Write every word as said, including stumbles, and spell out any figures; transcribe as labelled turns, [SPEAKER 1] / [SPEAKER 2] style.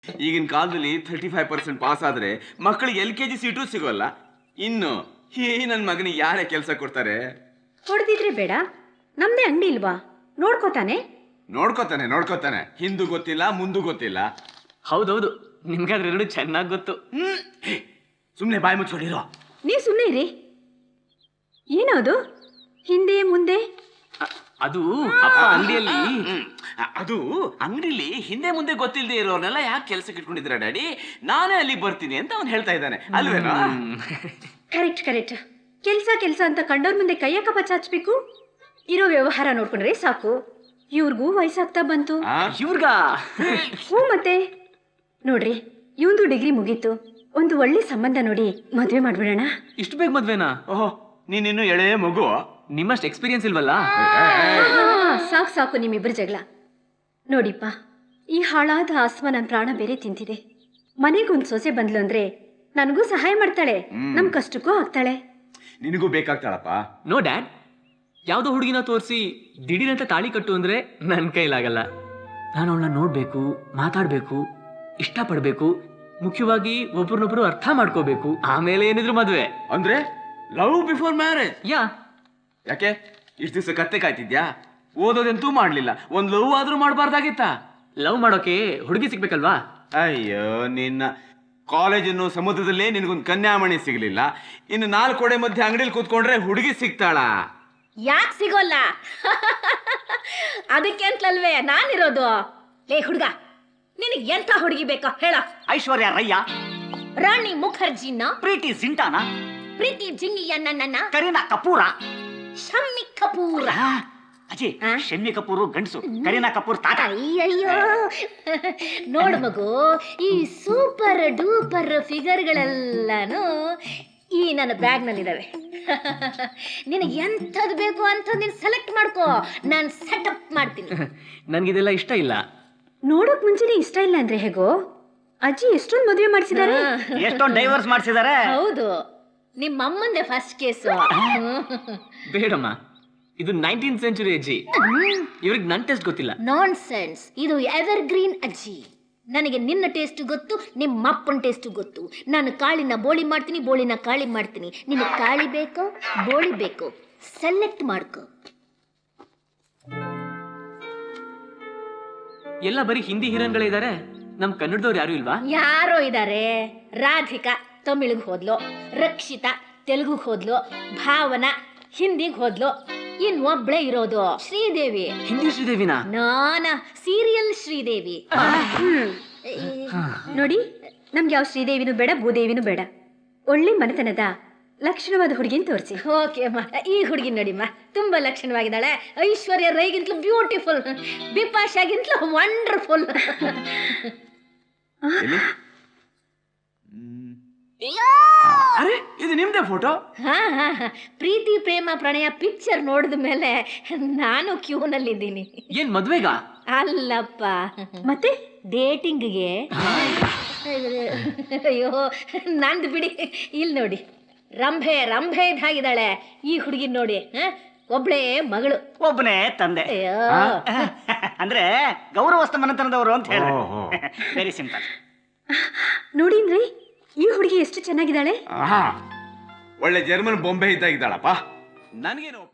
[SPEAKER 1] ಈಗಿನ ಕಾಲದಲ್ಲಿ thirty five percent pass ಆದ್ರೆ ಮಕ್ಕಳಿಗೆ ಎಲ್ ಕೆ ಜಿ ಸೀಟು ಸಿಗೋಲ್ಲ. ಇನ್ನು ಈ ನನ್ನ ಮಗನಿಗೆ ಯಾರೇ ಕೆಲಸ ಕೊಡ್ತಾರೆ?
[SPEAKER 2] ಹೊಡೆದಿದ್ರೆ ಬೇಡ, ನಮ್ದೇ ಅಂಗಡಿ ಇಲ್ವಾ? ನೋಡ್ಕೋತಾನೆ
[SPEAKER 1] ನೋಡ್ಕೋತಾನೆ ನೋಡ್ಕೋತಾನೆ ಹಿಂದೂ ಗೊತ್ತಿಲ್ಲ ಮುಂದೂ ಗೊತ್ತಿಲ್ಲ.
[SPEAKER 3] ಹೌದೌದು, ನಿಮ್ಗೆ ಅದ್ರೆರಡು ಚೆನ್ನಾಗಿ ಗೊತ್ತು.
[SPEAKER 1] ಸುಮ್ಮನೆ ಬಾಯಿ ಮುಚ್ಕೊಂಡಿರೋ.
[SPEAKER 2] ನೀವು ಸುಮ್ಮನೆ ಇರಿ. ಏನದು ಹಿಂದೆ ಮುಂದೆ?
[SPEAKER 3] ಅದು ಅಪ್ಪ ಅಂಗಡಿಯಲ್ಲಿ
[SPEAKER 1] ಅದು ಅಂಗಡಿಲಿ ಹಿಂದೆ ಮುಂದೆ ಗೊತ್ತಿಲ್ಲದೆ ಇರೋರ್ನೆಲ್ಲ ಯಾಕೆ ಕೆಲಸಕ್ಕೆ ಇಟ್ಕೊಂಡಿದ್ರ ಡ್ಯಾಡಿ? ನಾನೇ ಅಲ್ಲಿ ಬರ್ತೀನಿ ಅಂತ ಅವ್ನು ಹೇಳ್ತಾ ಇದ್ದಾನೆ ಅಲ್ವೇನೋ?
[SPEAKER 2] Correct correct. ಕೆಲಸ ಕೆಲಸ ಅಂತ ಕಂಡವ್ರ ಮುಂದೆ ಕೈಯಕ್ಕ ಬಚಾಚ್ಬೇಕು. ಇರೋ ವ್ಯವಹಾರ ನೋಡ್ಕೊಂಡ್ರೆ ಸಾಕು. ಇವ್ರಿಗೂ ವಯಸ್ಸಾಗ್ತಾ ಬಂತು.
[SPEAKER 3] ಇವ್ರಿಗ
[SPEAKER 2] ಹ್ಞೂ ಮತ್ತೆ ನೋಡ್ರಿ, ಇವಂದು ಡಿಗ್ರಿ ಮುಗೀತು. ಒಂದು ಒಳ್ಳೆ ಸಂಬಂಧ ನೋಡಿ ಮದುವೆ ಮಾಡ್ಬಿಡೋಣ.
[SPEAKER 3] ಇಷ್ಟು ಬೇಗ ಮದ್ವೆನಾ?
[SPEAKER 1] ಓಹೋ, ನೀನಿನ್ನು ಎಳೆ ಮಗು.
[SPEAKER 3] ನಿಮ್ಮಷ್ಟು ಎಕ್ಸ್ಪೀರಿಯನ್ಸ್ ಇಲ್ವಲ್ಲ?
[SPEAKER 2] ಸಾಕು ಸಾಕು ನಿಮ್ಮಿಬ್ಬರು ಜಗಳ. ನೋಡಿಪ್ಪ, ಈ ಹಾಳಾದ ಆಸ್ಮ ನನ್ನ ಪ್ರಾಣ ಬೇರೆ ತಿಂತಿದೆ. ಮನೆಗೊಂದು ಸೊಸೆ ಬಂದ್ಲು ಅಂದ್ರೆ ನನಗೂ ಸಹಾಯ ಮಾಡ್ತಾಳೆ, ನಮ್ ಕಷ್ಟಕ್ಕೂ ಆಗ್ತಾಳೆ.
[SPEAKER 1] ನಿನಗೂ ಬೇಕಾಗ್ತಾಳಪ್ಪ.
[SPEAKER 3] ನೋ ಡ್ಯಾಡ್, ಯಾವುದೋ ಹುಡುಗಿನ ತೋರಿಸಿ ದಿಢೀರಂತ ತಾಳಿ ಕಟ್ಟು ಅಂದ್ರೆ ನನ್ನ ಕೈಲಾಗಲ್ಲ. ನಾನು ಅವಳನ್ನ ನೋಡ್ಬೇಕು, ಮಾತಾಡ್ಬೇಕು, ಇಷ್ಟಪಡ್ಬೇಕು, ಮುಖ್ಯವಾಗಿ ಒಬ್ರನ್ನೊಬ್ರು ಅರ್ಥ ಮಾಡ್ಕೋಬೇಕು. ಆಮೇಲೆ ಏನಿದ್ರು ಮದ್ವೆ.
[SPEAKER 1] ಅಂದ್ರೆ ಲವ್ ಬಿಫೋರ್ ಮ್ಯಾರೇಜ್?
[SPEAKER 3] ಯಾ.
[SPEAKER 1] ಯಾಕೆ ಇಷ್ಟು ದಿವಸ ಕತ್ತೆ ಕಾಯ್ತಿದ್ಯಾ? ಓದೋದಂತೂ ಮಾಡ್ಲಿಲ್ಲ, ಒಂದ್ ಲವ್ ಆದ್ರೂ ಮಾಡಬಾರ್ದಾಗಿತ್ತ?
[SPEAKER 3] ಲವ್ ಮಾಡೋಕೆ ಹುಡುಗಿ ಸಿಗ್ಬೇಕಲ್ವಾ?
[SPEAKER 1] ಅಯ್ಯೋ ನಿನ್ನ, ಕಾಲೇಜನ್ನು ಸಮುದ್ರದಲ್ಲೇ ನಿನಗೊಂದು ಕನ್ಯಾಮಣಿ ಸಿಗ್ಲಿಲ್ಲ, ಇನ್ನು ನಾಲ್ಕು ಕೋಡೆ ಮಧ್ಯೆ ಅಂಗಡಿಲಿ ಕೂತ್ಕೊಂಡ್ರೆ ಹುಡುಗಿ ಸಿಗ್ತಾಳ?
[SPEAKER 2] ಯಾಕೆ ಸಿಗೋಲ್ಲ? ಅದಕ್ಕೆ ಅಂತಲ್ವೇ ನಾನಿರೋದು. ಲೇ ಹುಡುಗ, ನಿನಗೆ ಎಂಥ ಹುಡುಗಿ ಬೇಕೋ ಹೇಳ?
[SPEAKER 4] ಐಶ್ವರ್ಯ ರಯ್ಯ,
[SPEAKER 2] ರಾಣಿ ಮುಖರ್ಜಿನ,
[SPEAKER 4] ಪ್ರೀತಿ ಜಿಂಟಾನ,
[SPEAKER 2] ಪ್ರೀತಿ ಜಿಂಗಿಯನ್ನ,
[SPEAKER 4] ಕರೀನಾ ಕಪೂರ,
[SPEAKER 2] ಶಮ್ಮಿ ಕಪೂರ.
[SPEAKER 4] ಅಜಿ, ಶಮ್ಮಿ ಕಪೂರು ಗಂಡಸು, ಕರೀನಾ ಕಪೂರ್ ತಾತ.
[SPEAKER 2] ಅಯ್ಯಯ್ಯೋ, ನೋಡು ಮಗು, ಈ ಸೂಪರ್ ಡೂಪರ್ ಫಿಗರ್ಗಳೆಲ್ಲನೂ ಈ ನನ್ನ ಬ್ಯಾಗ್ ನಲ್ಲಿದ್ದಾವೆ. ನಿನಗೆ ಎಂಥದ್ದು ಬೇಕು ಅಂತ ನೀನು ಸೆಲೆಕ್ಟ್ ಮಾಡ್ಕೋ, ನಾನು ಸೆಟಪ್ ಮಾಡ್ತೀನಿ.
[SPEAKER 3] ನನ್ಗಿದೆಲ್ಲ ಇಷ್ಟ ಇಲ್ಲ.
[SPEAKER 2] ನೋಡೋಕ್ ಮುಂಚೆನೆ ಇಷ್ಟ ಇಲ್ಲ ಅಂದ್ರೆ ಹೇಗೋ? ಅಜ್ಜಿ ಎಷ್ಟೊಂದು ಮದುವೆ ಮಾಡಿಸಿದ್ದಾರೆ.
[SPEAKER 4] ಎಷ್ಟೊಂದು ಡೈವರ್ಸ್ ಮಾಡಿಸಿದ್ದಾರೆ.
[SPEAKER 2] ಹೌದು, ನಿಮ್ಮ ಅಮ್ಮಂದೆ ಫಸ್ಟ್ ಕೇಸು.
[SPEAKER 3] ಬೇಡಮ್ಮ, ಇದು ನೈನ್ಟೀನ್ ಸೆಂಚುರಿ ಅಜ್ಜಿ. ಇವ್ರಿಗೆ ನನ್ನ ಟೇಸ್ಟ್ ಗೊತ್ತಿಲ್ಲ.
[SPEAKER 2] Nonsense. ಇದು ಎವರ್ ಗ್ರೀನ್ ಅಜ್ಜಿ. ನನಗೆ ನಿನ್ನ ಟೇಸ್ಟ್ ಗೊತ್ತು, ನಿಮ್ಮ ಅಪ್ಪನ ಟೇಸ್ಟ್ ಗೊತ್ತು. ನಾನು ಕಾಳಿನ ಬೋಳಿ ಮಾಡ್ತೀನಿ, ಬೋಳಿನ ಕಾಳಿ ಮಾಡ್ತೀನಿ. ನಿನಗೆ ಕಾಳಿ ಬೇಕೋ ಬೋಳಿ ಬೇಕೋ ಸೆಲೆಕ್ಟ್ ಮಾಡ್ಕೋ.
[SPEAKER 3] ಎಲ್ಲ ಬರೀ ಹಿಂದಿ ಹೀರೋನ್ಗಳೇ ಇದ್ದಾರೆ, ನಮ್ ಕನ್ನಡದವ್ರು ಯಾರು ಇಲ್ವಾ?
[SPEAKER 2] ಯಾರೋ ಇದ್ದಾರೆ. ರಾಧಿಕಾ ತಮಿಳಿಗೆ ಹೋದ್ಲು, ರಕ್ಷಿತಾ ತೆಲುಗುಗೆ ಹೋದ್ಲು, ಭಾವನಾ ಹಿಂದಿಗೆ ಹೋದ್ಲು. ಇನ್ ಒಬ್ಳೆ ಇರೋದು ಶ್ರೀದೇವಿ.
[SPEAKER 3] ಹಿಂದಿ ಶ್ರೀದೇವಿನಾ?
[SPEAKER 2] ನಾನ ಸೀರಿಯಲ್ ಶ್ರೀದೇವಿ. ನೋಡಿ, ನಮ್ಗೆ ಯಾವ ಶ್ರೀದೇವಿನೂ ಬೇಡ, ಭೂದೇವಿನೂ ಬೇಡ. ಒಳ್ಳೆ ಮನೆತನದ ಲಕ್ಷಣವಾದ ಹುಡುಗಿನ ತೋರಿಸಿ. ಓಕೆ ಅಮ್ಮ, ಈ ಹುಡುಗಿ ನೋಡಿಮ್ಮ, ತುಂಬಾ ಲಕ್ಷಣವಾಗಿದ್ದಾಳೆ. ಐಶ್ವರ್ಯ ರೈಗಿಂತಲೂ ಬ್ಯೂಟಿಫುಲ್, ಬಿಪಾಶಾಗಿಂತಲೂ ವಂಡರ್ಫುಲ್.
[SPEAKER 1] ಅರೆ, ಇದು ನಿಮ್ದೇ ಫೋಟೋ?
[SPEAKER 2] ಹಾ ಹಾ ಪ್ರೀತಿ ಪ್ರೇಮ ಪ್ರಣಯ ಪಿಕ್ಚರ್ ನೋಡಿದ ಮೇಲೆ ನಾನು ಕ್ಯೂನಲ್ಲಿದ್ದೀನಿ.
[SPEAKER 3] ಏನ್ ಮದ್ವೆಗ?
[SPEAKER 2] ಅಲ್ಲಪ್ಪ, ಮತ್ತೆ ಡೇಟಿಂಗ್ಗೆ. ಅಯ್ಯೋ ನಂದು ಬಿಡಿ. ಇಲ್ಲಿ ನೋಡಿ, ರಂಭೆ ರಂಭೆ ಇದ್ದಾಗಿದ್ದಾಳೆ ಈ ಹುಡುಗಿ ನೋಡಿ. ಒಬ್ಳೇ ಮಗಳು,
[SPEAKER 4] ಒಬ್ಬನೇ ತಂದೆ.
[SPEAKER 2] ಅಯ್ಯೋ,
[SPEAKER 4] ಅಂದ್ರೆ ಗೌರವಸ್ಥ ಮನೆತನದವರು ಅಂತ ಹೇಳಿ. Very simple.
[SPEAKER 2] ನೋಡಿನ್ರಿ ಈ ಹುಡುಗಿ ಎಷ್ಟು ಚೆನ್ನಾಗಿದ್ದಾಳೆ.
[SPEAKER 1] ಒಳ್ಳೆ ಜರ್ಮನ್ ಬೊಂಬೆ ಇದ್ದಾಗಿದ್ದಾಳಪ್ಪ. ನನಗೇನು